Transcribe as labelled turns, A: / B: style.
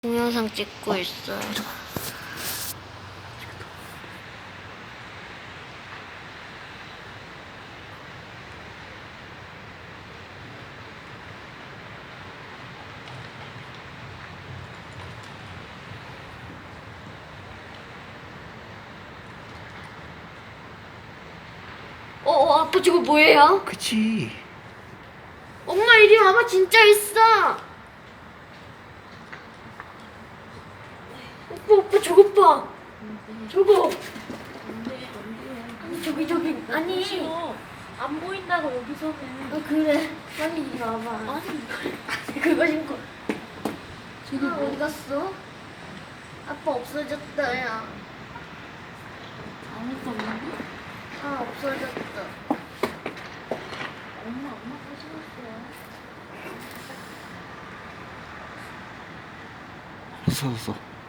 A: 동영상 찍고 있어요. 아빠 저거 뭐예요?
B: 그치.
A: 엄마 이리 와봐, 진짜 있어. 오빠 저거 봐. 저거. 아니 저기 아니.
C: 싫어. 안 보인다고 여기서는.
A: 그래. 빨리 이리 와봐.
C: 아니
A: 그거 신고.
C: 저기 뭐
A: 어디 갔어? 아빠 없어졌다 야.
C: 안 했었는데?
A: 없어졌다.
C: 엄마가 싫었어.
B: 알았어.